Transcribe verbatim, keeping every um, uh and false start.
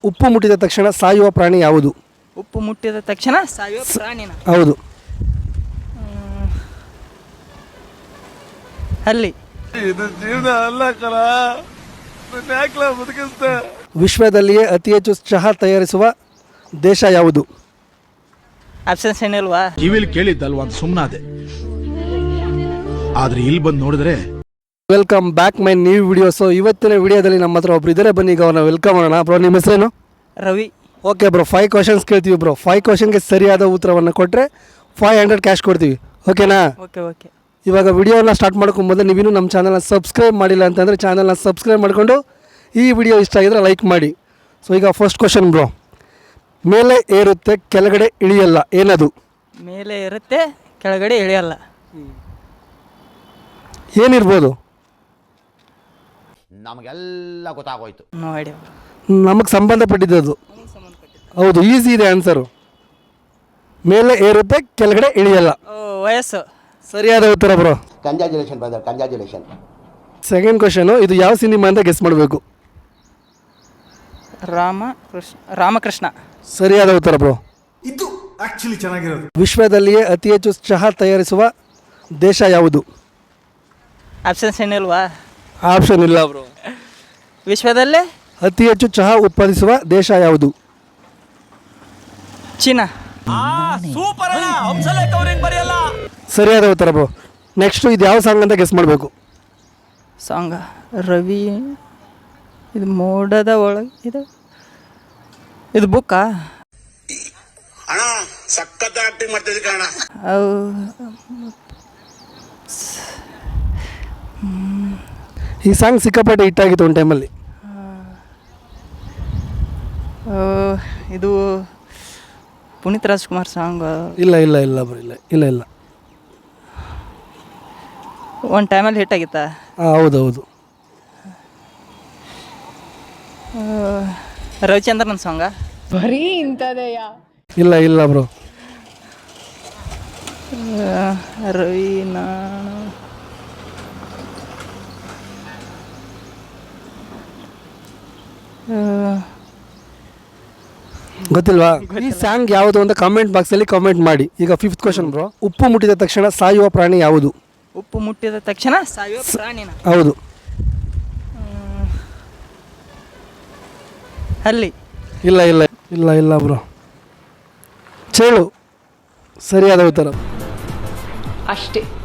ಉಪ್ಪು ಮುಟ್ಟಿದ ತಕ್ಷಣ ಸಾಯುವ ಪ್ರಾಣಿ ಯಾವುದು? ಉಪ್ಪು ಮುಟ್ಟಿದ ತಕ್ಷಣ ಸಾಯುವ ಪ್ರಾಣಿನ ಹೌದು. ಅಲ್ಲಿ ಇದು ಜೀವನ ಅಲ್ಲ ಕಣ, ಯಾಕೆ ಬದುಕಿಸ್ತೆ? ವಿಶ್ವದಲ್ಲಿಯೇ ಅತಿ ಹೆಚ್ಚು ಚಹಾ ತಯಾರಿಸುವ ದೇಶ ಯಾವುದು? ಆಪ್ಷನ್ಸ್ ಏನಿಲ್ವಾ? ಕಿವಿಲ್ ಕೇಳಿದ್ದಲ್ವಾ ಅಂತ ಸುಮ್ಮನಾದೆ, ಆದ್ರೆ ಇಲ್ಲಿ ಬಂದು ನೋಡಿದ್ರೆ. Welcome back my new video. So ಇವತ್ತಿನ ವಿಡಿಯೋದಲ್ಲಿ ನಮ್ಮ ಹತ್ರ ಒಬ್ರು ಇದ್ದಾರೆ, ಬನ್ನಿ ಈಗ ಅವ್ರನ್ನ ವೆಲ್ಕಮ್ ಮಾಡೋಣ. ಬ್ರೋ ನಿಮ್ಮ ಹೆಸರೇನು? Ravi. Okay bro, five questions ಕೇಳ್ತೀವಿ ಬ್ರೋ. ಫೈವ್ ಕ್ವಶನ್ಗೆ ಸರಿಯಾದ ಉತ್ತರವನ್ನು ಕೊಟ್ಟರೆ ಫೈವ್ ಹಂಡ್ರೆಡ್ ಕ್ಯಾಶ್ ಕೊಡ್ತೀವಿ, ಓಕೆನಾ? Okay okay. ಇವಾಗ ವಿಡಿಯೋನ ಸ್ಟಾರ್ಟ್ ಮಾಡ್ಕೊಂಡು ಮೊದಲು ನೀವಿನ್ನೂ ನಮ್ಮ ಚಾನಲ್ನ ಸಬ್ಸ್ಕ್ರೈಬ್ ಮಾಡಿಲ್ಲ ಅಂತಂದರೆ ಚಾನಲ್ನ ಸಬ್ಸ್ಕ್ರೈಬ್ ಮಾಡಿಕೊಂಡು ಈ ವಿಡಿಯೋ ಇಷ್ಟ ಆಗಿದ್ರೆ ಲೈಕ್ ಮಾಡಿ. ಸೊ ಈಗ ಫಸ್ಟ್ ಕ್ವಶನ್ ಬ್ರೋ, ಮೇಲೆ ಏರುತ್ತೆ ಕೆಳಗಡೆ ಇಳಿಯಲ್ಲ, ಏನದು? ಮೇಲೆ ಇರುತ್ತೆ ಕೆಳಗಡೆ ಇಳಿಯಲ್ಲ, ಏನಿರ್ಬೋದು? ನಮಗೆಲ್ಲ ಗೊತ್ತಾಗೋಯ್ತು. No idea. ನಮಗೆ ಸಂಬಂಧಪಟ್ಟಿದ್ದು. ಹೌದು, ಈಸಿ ಇದೆ ಆನ್ಸರು. ಮೇಲೆ ಏರುತ್ತೆ ಕೆಳಗಡೆ ಇಳಿಯಲ್ಲ. ಓ, ವಯಸ್ಸು. ಸರಿಯಾದ ಉತ್ತರ bro. Congratulation brother, congratulation. Second question, ಇದು ಯಾವ ಸಿನಿಮಾ ಅಂತ ಗೆಸ್ ಮಾಡಬೇಕು. ರಾಮ ಕೃಷ್ಣ ರಾಮಕೃಷ್ಣ. ಸರಿಯಾದ ಉತ್ತರ ಬ್ರೋ. ಇದು ಆಕ್ಚುಲಿ ಚೆನ್ನಾಗಿರೋದು. ವಿಶ್ವದಲ್ಲಿಯೇ ಅತಿ ಹೆಚ್ಚು ಚಹಾ ತಯಾರಿಸುವ ದೇಶ ಯಾವುದು? ಆಪ್ಷನ್ಸ್ ಏನಿಲ್ವಾ? ಆಪ್ಷನ್ ಇಲ್ಲ ಬ್ರೋ. ವಿಶ್ವದಲ್ಲೇ ಅತಿ ಹೆಚ್ಚು ಚಹಾ ಉತ್ಪಾದಿಸುವ ದೇಶ ಯಾವುದು? ಚೀನಾ. ಸರಿಯಾದ ಉತ್ತರ ಬ್ರೋ. ನೆಕ್ಸ್ಟು ಇದು ಯಾವ ಸಾಂಗ್ ಅಂತ ಗೆಸ್ ಮಾಡಬೇಕು. ಸಾಂಗ ರವಿ, ಇದು ಮೋಡದ ಒಳಗೆ, ಇದು ಇದು ಬುಕ್ಕಾ? ಅಣ್ಣ ಸಖತ್ ಆಕ್ಟಿಂಗ್ ಮಾಡ್ತಿದ್ದೆ ಕಣ. ಈ ಸಾಂಗ್ ಸಿಕ್ಕಾಪಟ್ಟೆ ಹಿಟ್ಟಾಗಿತ್ತು ಒಂದು ಟೈಮಲ್ಲಿ. ಇದು ಪುನೀತ್ ರಾಜ್ಕುಮಾರ್ ಸಾಂಗ್. ಇಲ್ಲ ಇಲ್ಲ ಇಲ್ಲ ಬ್ರೋ, ಇಲ್ಲ ಇಲ್ಲ ಇಲ್ಲ ಒಂದು ಟೈಮಲ್ಲಿ ಹಿಟ್ ಆಗಿತ್ತಾ? ಹಾಂ ಹೌದು ಹೌದು. ರವಿಚಂದ್ರನ್ ಸಾಂಗ? ಬರೀ ಇಂಥದೆಯಾ? ಇಲ್ಲ ಇಲ್ಲ ಬ್ರೋ. ರವಿ ನಾನು ಗೊತ್ತಿಲ್ವಾ? ಈ ಸಾಂಗ್ ಯಾವುದು ಅಂತ ಕಾಮೆಂಟ್ ಬಾಕ್ಸಲ್ಲಿ ಕಾಮೆಂಟ್ ಮಾಡಿ. ಈಗ ಫಿಫ್ತ್ ಕ್ವಶನ್ ಬ್ರೋ, ಉಪ್ಪು ಮುಟ್ಟಿದ ತಕ್ಷಣ ಸಾಯುವ ಪ್ರಾಣಿ ಯಾವುದು? ಉಪ್ಪು ಮುಟ್ಟಿದ ತಕ್ಷಣ ಸಾಯುವ ಪ್ರಾಣಿನ ಹೌದು. ಅಲ್ಲಿ ಇಲ್ಲ ಇಲ್ಲ ಇಲ್ಲ ಇಲ್ಲ ಬ್ರೋ. ಚೇಳು ಸರಿಯಾದ ಉತ್ತರ. ಅಷ್ಟೇ.